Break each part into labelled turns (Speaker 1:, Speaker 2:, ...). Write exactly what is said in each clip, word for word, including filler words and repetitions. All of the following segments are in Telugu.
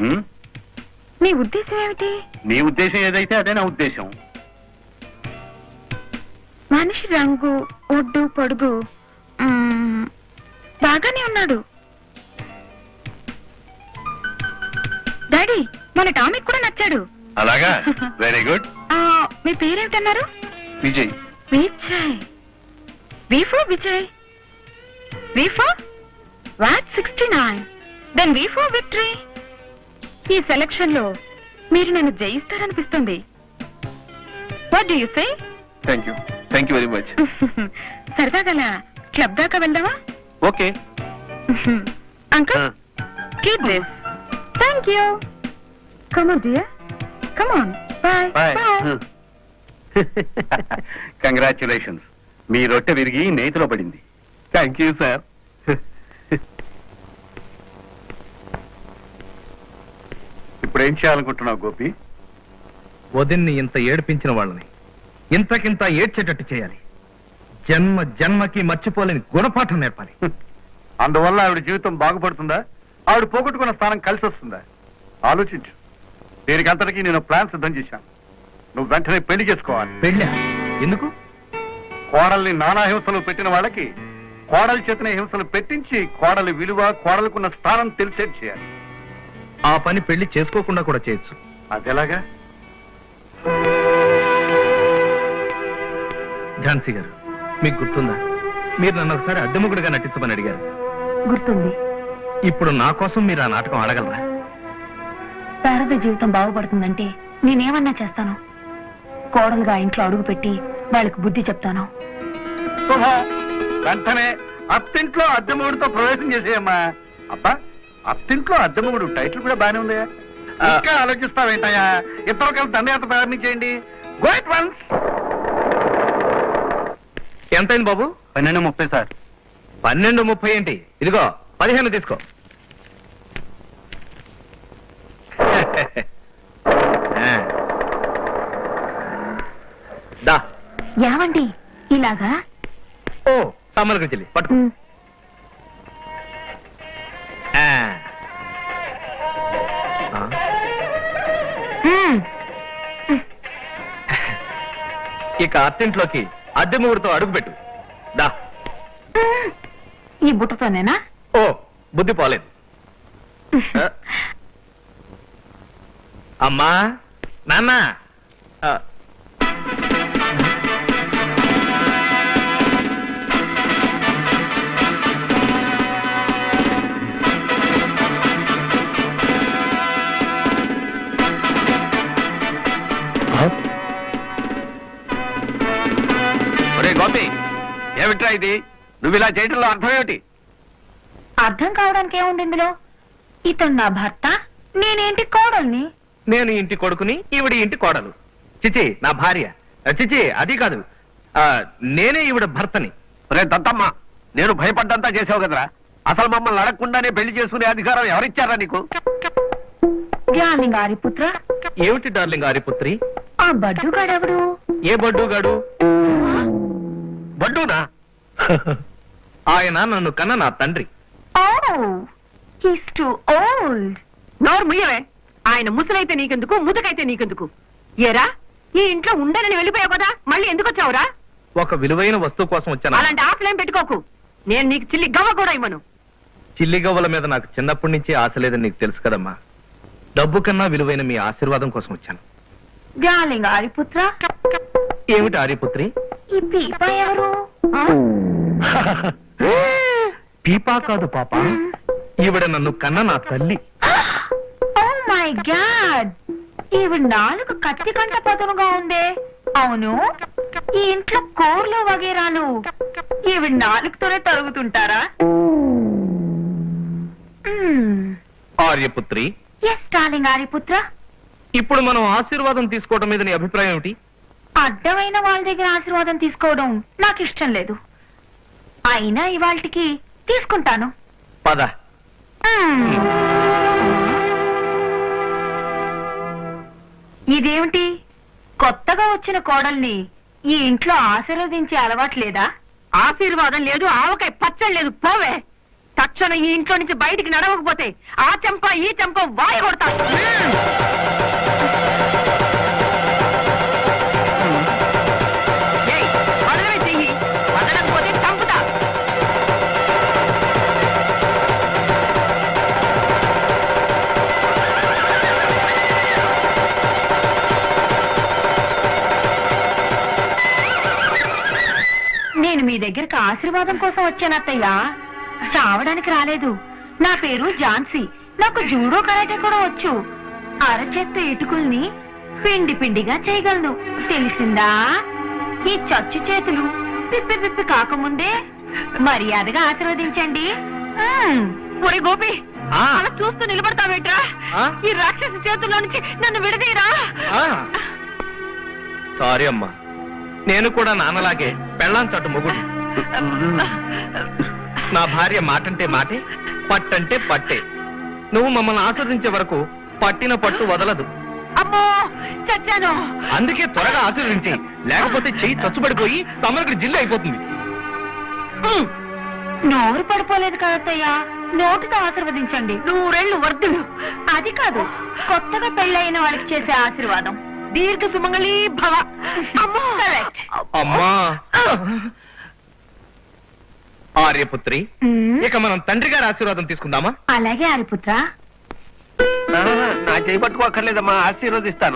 Speaker 1: నీ ఉద్దేశం ఏమిటి?
Speaker 2: నీ ఉద్దేశం ఏదైతే అదే నా ఉద్దేశం.
Speaker 1: మనిషి రంగు, ఒడ్డు, పొడుగు బాగానే ఉన్నాడు. డాడీ, మన టామిక్ కూడా నచ్చాడు.
Speaker 2: అలాగా? Very good.
Speaker 1: మీ పేరేంటన్నారు?
Speaker 2: Vijay.
Speaker 1: Vijay. V for Vijay. V for what sixty nine. Then V for victory. ఈ సెలక్షన్ లో మీరు నన్ను జయిస్తారనిపిస్తుంది. What do you say?
Speaker 2: Thank you thank you very much.
Speaker 1: సరదాగా క్లబ్ దాకా వెళ్దామా?
Speaker 2: Okay
Speaker 1: uncle, keep this. Thank you. Come on dear, come on. Bye bye.
Speaker 2: Congratulations. మీ రొట్టె విరిగి నేతిలో పడింది. Thank you sir. ఇప్పుడు ఏం చేయాలనుకుంటున్నావు గోపి?
Speaker 3: వదిన్ని ఇంత ఏడిపించిన వాళ్ళని ఇంతకింత ఏడ్చేటట్టు చేయాలి. జన్మ జన్మకి మర్చిపోలేని గుణపాఠం నేర్పాలి.
Speaker 2: అందువల్ల ఆవిడ జీవితం బాగుపడుతుందా? ఆవిడ పోగొట్టుకున్న స్థానం కలిసి వస్తుందా? ఆలోచించు. దీనికి అంతటికీ నేను ప్లాన్ సిద్ధం చేశాను. నువ్వు వెంటనే పెళ్లి చేసుకోవాలి.
Speaker 3: పెళ్ళా? ఎందుకు?
Speaker 2: కోడల్ని నానా హింసలు పెట్టిన వాళ్ళకి కోడలి చేతనే హింసలు పెట్టించి కోడలి విలువ, కోడలకున్న స్థానం తెలిసేది చేయాలి.
Speaker 3: ఆ పని పెళ్లి చేసుకోకుండా కూడా చేయొచ్చు.
Speaker 2: అదెలాగా?
Speaker 3: ఝాన్సీ గారు, మీకు గుర్తుందా? మీరు నన్ను ఒకసారి అద్దెముగుడుగా నటించమని అడిగారు.
Speaker 1: గుర్తుంది.
Speaker 3: ఇప్పుడు నా కోసం మీరు ఆ నాటకం ఆడగలరా?
Speaker 1: శారద జీవితం బాగుపడుతుందంటే నేనేమన్నా చేస్తాను. కోడలుగా ఇంట్లో అడుగు పెట్టి వాళ్ళకి బుద్ధి చెప్తాను.
Speaker 2: వెంటనే అత్తింట్లో అద్దెముగుడితో ప్రవేశం చేసేయమ్మా. అబ్బా, అత్తింట్లో అద్దెముగుడు టైటిల్ కూడా బానే ఉంది. ఇంకా ఆలోచిస్తావేంటయ్యా? ఇద్దరు కలిసి దండయాత్ర ప్రారంభించేయండి. Go at once.
Speaker 3: ఎంతైంది బాబు?
Speaker 2: పన్నెండు ముప్పై సార్.
Speaker 3: పన్నెండు ముప్పై ఏంటి? ఇదిగో పదిహేను తీసుకో. దా.
Speaker 1: ఏమండి ఇలాగా?
Speaker 3: ఓ తమ్మలకు చెల్లి పట్టు. ఇక అత్తింట్లోకి అద్దె ముగ్గురుతో అడుగుపెట్టు. దా.
Speaker 1: ఈ బుట్టతోనేనా?
Speaker 3: ఓ బుద్ధి పోలేదు. అమ్మా, నాన్న.
Speaker 2: గోపి, ఏమిట్రా ఇది? నువ్వు ఇలా చేయడంలో అర్థం ఏమిటి?
Speaker 1: అర్థం కావడానికి ఏముంది ఇందులో? ఇతను నా భర్త, నేనేంటి కోడల్ని.
Speaker 3: నేను ఇంటి కొడుకుని, ఈవిడ ఇంటి కోడలు. చిచి నా భార్య. చిచి అది కాదు, నేనే ఈవిడ భర్తని.
Speaker 2: రే దత్తమ్మ, నేను భయపడ్డంతా చేసావు కదరా. అసలు మమ్మల్ని అడగకుండానే పెళ్లి చేసుకునే అధికారం ఎవరిచ్చారా నీకు?
Speaker 1: డార్లింగ్ ఆరిపుత్ర.
Speaker 3: ఏమిటి డార్లింగ్ ఆరిపుత్రి?
Speaker 1: ఆ బడ్డుగాడెవడు?
Speaker 3: ఏ బడ్డుగాడు?
Speaker 2: బడ్డూనా?
Speaker 3: ఆయన నన్ను కన్న నా తండ్రి.
Speaker 1: నోరు ముయ్యవే. ఆయన ముసలైతే నీకెందుకు, ముదుకైతే నీకెందుకు? ఏరా, ఈ ఇంట్లో ఉండనని వెళ్ళిపోయావు కదా, మళ్ళీ ఎందుకు వచ్చావురా?
Speaker 3: ఒక విలువైన వస్తువు కోసం వచ్చాను.
Speaker 1: అలాంటి ఆశలేం పెట్టుకోకు. నేను నీకు చిల్లి గవ్వ కూడా ఇవ్వను.
Speaker 3: చిల్లి గవ్వల మీద నాకు చిన్నప్పటి నుంచి ఆశ లేదని నీకు తెలుసు కదమ్మా. డబ్బు కన్నా విలువైన మీ ఆశీర్వాదం కోసం వచ్చాను.
Speaker 1: డార్లింగ్ ఆరిపుత్ర.
Speaker 3: ఏమిటి ఆర్యపుత్రి?
Speaker 1: ఈ పీపా ఎవరు?
Speaker 3: పీపా కాదు పాప, ఈవిడ నన్ను కన్న నా తల్లి.
Speaker 1: ఓ మై గాడ్, ఈవిడ నాలుగు కత్తి కంట పదునుగా ఉందే. అవును, ఈ ఇంట్లో కూరలు వగేరాలు ఈవిడ నాలుగుతోనే తరుగుతుంటారా?
Speaker 3: ఆర్యపుత్రి.
Speaker 1: Yes darling ఆర్యపుత్ర.
Speaker 3: ఇప్పుడు మనం ఆశీర్వాదం తీసుకోవడం మీద నీ అభిప్రాయం ఏమిటి?
Speaker 1: అడ్డమైన వాళ్ళ దగ్గర ఆశీర్వాదం తీసుకోవడం నాకు ఇష్టం లేదు. అయినా ఇవాళకి తీసుకుంటాను.
Speaker 3: పద.
Speaker 1: ఇదేమిటి, కొత్తగా వచ్చిన కోడల్ని ఈ ఇంట్లో ఆశీర్వదించే అలవాటు లేదా? ఆశీర్వాదం లేదు, ఆవకాయ పచ్చడి లేదు. పోవే. తక్షణం ఈ ఇంట్లో నుంచి బయటికి నడవకపోతే ఆ చెంప ఈ చెంప వాయి కొడతా. ఏయ్, వదలవే చెయ్యి, వదలకపోతే చంపుతా. నేను మీ దగ్గరకు ఆశీర్వాదం కోసం వచ్చాను అత్తయ్య, చావడానికి రాలేదు. నా పేరు ఝాన్సీ, నాకు జూడో కరాటే కూడా వచ్చు. అరచేత్త ఇటుకుల్ని పిండి పిండిగా చేయగలను, తెలిసిందా? ఈ చచ్చు చేతులు పిప్పి పిప్పి కాకముందే మర్యాదగా ఆశీర్వదించండి. మ్మ్. ఒరే గోపి,
Speaker 3: ఆ.
Speaker 1: అలా చూస్తూ నిలబడతావేట్రా?
Speaker 3: ఆ?
Speaker 1: ఈ రాక్షసి చేతుల్లో నుంచి నన్ను విడదీయరా.
Speaker 3: సారీ అమ్మా, నేను కూడా నాన్నలాగే పెళ్ళాం చట్టు మొగుడు. నా భార్య మాటంటే మాటే, పట్టంటే పట్టే. నువ్వు మమ్మల్ని ఆస్వాదించే వరకు పట్టిన పట్టు వదలదు.
Speaker 1: అమ్మో, చచ్చాను.
Speaker 3: అందుకే త్వరగా ఆశీర్వదించి, లేకపోతే చెయ్యి చచ్చుబడిపోయి తమరికి జిల్లు అయిపోతుంది.
Speaker 1: మ్మ్. నోరు పడిపోలేదు కదత్తయ్యా, నోటితో ఆశీర్వదించండి. నూరేళ్లు వర్ధులు. అది కాదు, కొత్తగా పెళ్ళైన వాళ్ళకి చేసే ఆశీర్వాదం. దీర్ఘ సుమంగళీ భవ. అమ్మో, కరెక్ట్.
Speaker 3: అమ్మా ఆర్యపుత్రి, ఇక మనం తండ్రి గారి ఆశీర్వాదం తీసుకుందామా?
Speaker 1: అలాగే ఆరిపుత్ర.
Speaker 2: నా చేయి పట్టుకోక్కర్లేదమ్మా, ఆశీర్వదిస్తాను.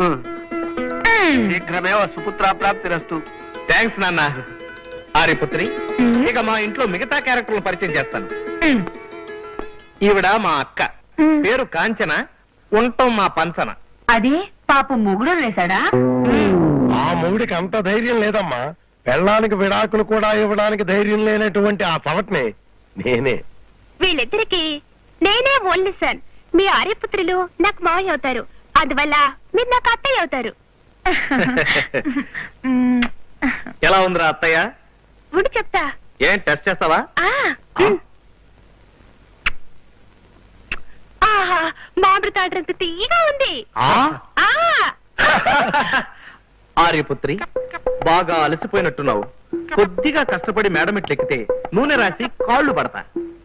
Speaker 2: శీఘ్రమే సుపుత్ర ప్రాప్తిరస్తు.
Speaker 3: థ్యాంక్స్ నాన్న. ఆర్యపుత్రి, ఇక మా ఇంట్లో మిగతా క్యారెక్టర్లు పరిచయం చేస్తాను. ఈవిడ మా అక్క, పేరు కాంచన, ఉంటాం మా పంచన.
Speaker 1: అది పాపం మొగుడు వేశాడా?
Speaker 4: ఆ మొగుడికి అంత ధైర్యం లేదమ్మా. పెళ్ళానికి విడాకులు కూడా ఇవ్వడానికి ధైర్యం లేనటువంటి ఆ సవట్ని నేనే.
Speaker 5: వీళ్ళిద్దరికి నేనే ఓన్లీ సన్. మీ ఆర్యపుత్రులు నాకు మావయ్య అవుతారు, అందువల్ల మీరు నాకు అత్తయ్య అవుతారు.
Speaker 3: ఎలా ఉందిరా అత్తయ్య?
Speaker 5: ఉండి చెప్తా.
Speaker 3: ఏం టెస్ట్ చేస్తావా?
Speaker 5: ఆ, ఉమ్. ఆహా, మామిడి తాడ్రంత తీయగా ఉంది.
Speaker 3: ఆ?
Speaker 5: ఆ
Speaker 3: ఆర్యపుత్రి, బాగా అలసిపోయినట్టున్నావు. కొద్దిగా కష్టపడి మేడం ఎక్కితే నూనె రాసి కాళ్ళు పడతా.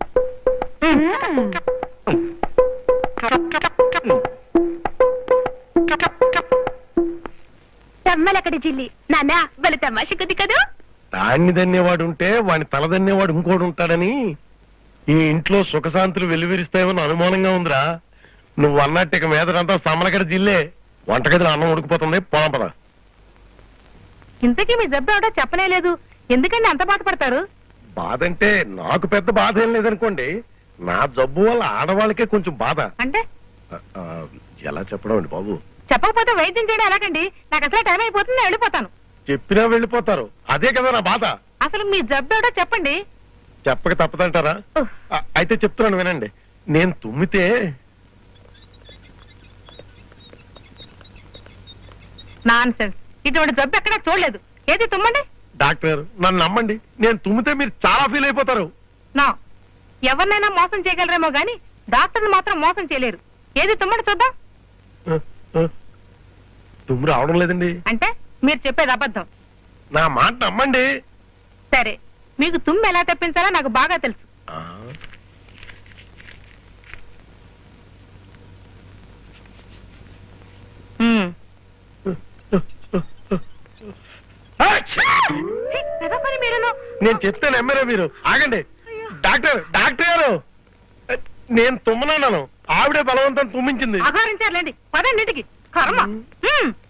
Speaker 5: తమ్మలక్కడి జిల్లి నాన్న బల తమాష కొద్ది కదా.
Speaker 4: దాన్ని దన్నేవాడు ఉంటే వాని తల దన్నేవాడు ఇంకోడు ఉంటాడని ఈ ఇంట్లో సుఖశాంతులు వెలువరిస్తాయేమని అనుమానంగా ఉందిరా. నువ్వు అన్నట్టు ఇక మీదటంతా సమలకడ జిల్లే. వంటగదిలో అన్నం ఉడికిపోతుంది, పోదాం పద.
Speaker 1: ఇంతకీ మీ జబ్బు ఏమిటో చెప్పనే లేదు, ఎందుకండి అంత బాధపడతారు?
Speaker 4: బాధ అంటే నాకు పెద్ద బాధ ఏం లేదనుకోండి, నా జబ్బు వల్ల ఆడవాళ్ళకే కొంచెం బాధ.
Speaker 1: అంటే
Speaker 4: ఆ, ఆ, ఎలా చెప్పడం అండి బాబు?
Speaker 1: చెప్పకపోతే వైద్యం చేయడం ఎలాగండి? నాకు అసలు టైం అయిపోతుంది, నేను వెళ్ళిపోతాను.
Speaker 4: చెప్పినా వెళ్ళిపోతారు, అదే కదా నా బాధ.
Speaker 1: అసలు మీ జబ్బు ఏమిటో చెప్పండి.
Speaker 4: చెప్పక తప్పదంటారా?
Speaker 1: ఉహ్.
Speaker 4: ఆ, అయితే చెప్తున్నాను వినండి. నేను తుమ్మితే
Speaker 1: నాన్ సెన్స్, ఇటువంటి జబ్బు ఎక్కడా చూడలేదు. ఏది తుమ్మండి.
Speaker 4: డాక్టర్ నన్ను నమ్మండి, నేను తుమ్మితే మీరు చాలా ఫీల్ అయిపోతారు.
Speaker 1: నా ఎవరినైనా మోసం చేయగలరేమో గాని డాక్టర్ని మాత్రం మోసం చేయలేరు. ఏది తుమ్మండి చూద్దాం.
Speaker 4: ఆ, ఆ, తుమ్ము రావడం లేదండి.
Speaker 1: అంటే మీరు చెప్పేది అబద్ధం.
Speaker 4: నా మాట నమ్మండి.
Speaker 1: సరే, మీకు తుమ్ము ఎలా తెప్పించాలో నాకు బాగా తెలుసు.
Speaker 4: ఆ,
Speaker 1: ఉమ్.
Speaker 4: ఆ,
Speaker 1: ఛీ, పెద్ద పని మీరును.
Speaker 4: నేను చెప్తే నమ్మరా మీరు? ఆగండి డాక్టర్, డాక్టర్ గారు, నేను తుమ్మనన్నాను, ఆవిడే బలవంతం తుమ్మించింది.
Speaker 1: అఘోరించారులేండి, పదండి ఇంటికి. కర్మ. ఉమ్.